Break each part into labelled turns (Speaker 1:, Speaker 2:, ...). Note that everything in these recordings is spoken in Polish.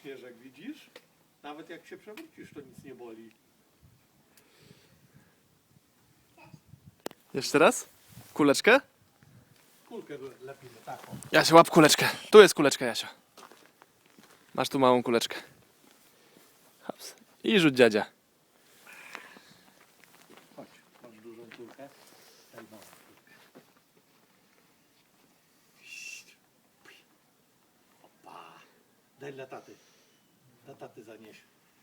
Speaker 1: Śnieżek, widzisz? Nawet jak się przewrócisz, to nic nie boli.
Speaker 2: Jeszcze raz? Kuleczkę?
Speaker 1: Kulkę lepimy taką.
Speaker 2: Jasia, łap kuleczkę. Tu jest kuleczka, Jasia. Masz tu małą kuleczkę. Hops. I rzuć dziadzia.
Speaker 1: Chodź, masz dużą kulkę. Daj małą kulkę. Opa. Daj dla taty. Dla taty zanieś.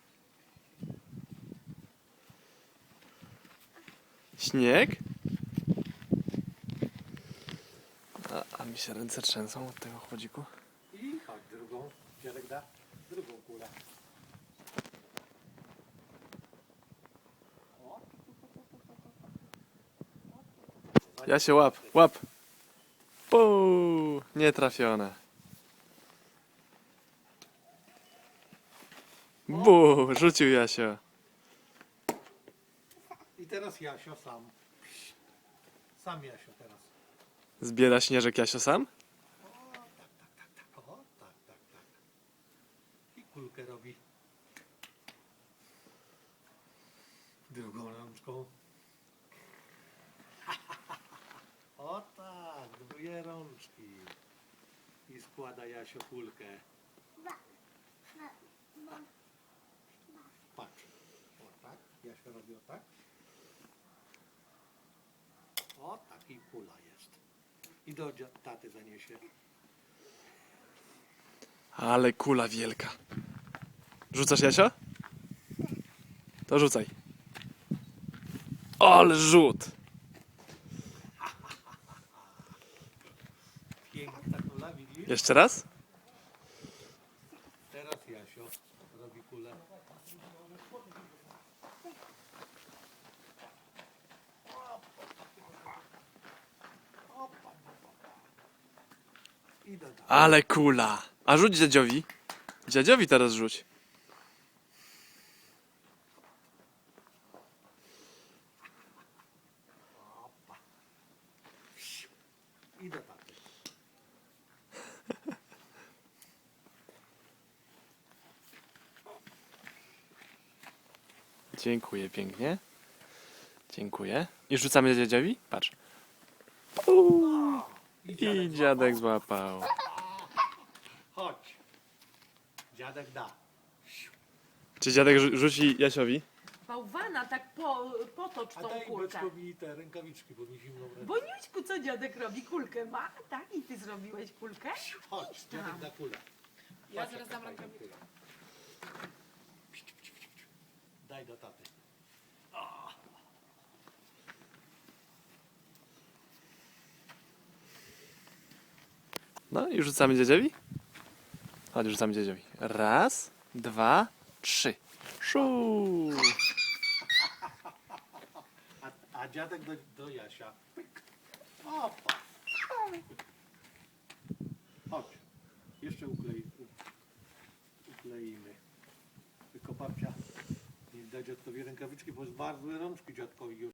Speaker 2: Śnieg? A mi się ręce trzęsą od tego chłodziku.
Speaker 1: I chodź drugą. Dziadek da drugą kulę.
Speaker 2: Jasia, łap, łap. Puu, nie trafione. Bu, rzucił Jasio.
Speaker 1: I teraz Jasio sam. Sam Jasio teraz.
Speaker 2: Zbiera śnieżek Jasio sam?
Speaker 1: O, tak, tak, tak. I kulkę robi. Drugą rączką. O tak, dwie rączki. I składa Jasio kulkę. Patrz. O tak, Jasio robi o tak. O tak, i kula jest. I do taty zaniesie.
Speaker 2: Ale kula wielka. Rzucasz, Jasio? To rzucaj. Ale rzut!
Speaker 1: Piękna kula, widzisz?
Speaker 2: Jeszcze raz?
Speaker 1: Teraz Jasio robi kulę. I do taty.
Speaker 2: Ale kula! A rzuć dziadziowi. Dziadziowi teraz rzuć.
Speaker 1: I do taty.
Speaker 2: Dziękuję pięknie. Dziękuję. I rzucamy dziadziowi? Patrz. I dziadek złapał.
Speaker 1: Chodź. Dziadek da.
Speaker 2: Czy dziadek rzuci Jasiowi?
Speaker 3: Bałwana, tak potocz
Speaker 1: A
Speaker 3: tą
Speaker 1: daj
Speaker 3: kulkę.
Speaker 1: Beczkowi te rękawiczki, bo mi zimno w ręce.
Speaker 3: Boniuśku, co dziadek robi? Kulkę ma? Tak? I ty zrobiłeś kulkę?
Speaker 1: Chodź,
Speaker 3: Idź
Speaker 1: dziadek
Speaker 3: tam.
Speaker 1: da kulę.
Speaker 3: Ja
Speaker 1: Patrz,
Speaker 3: zaraz
Speaker 1: jaka
Speaker 3: dam
Speaker 1: fajna
Speaker 3: rękawiczkę.
Speaker 1: kula. Daj do taty.
Speaker 2: No i rzucamy dziadziowi? Chodź, rzucamy dziadziowi. Raz, dwa, trzy. Szu!
Speaker 1: A dziadek do Jasia. Pyk. Opa. Chodź. Jeszcze ukleimy. Tylko babcia nie da dziadkowi rękawiczki, bo zmarzły rączki dziadkowi już.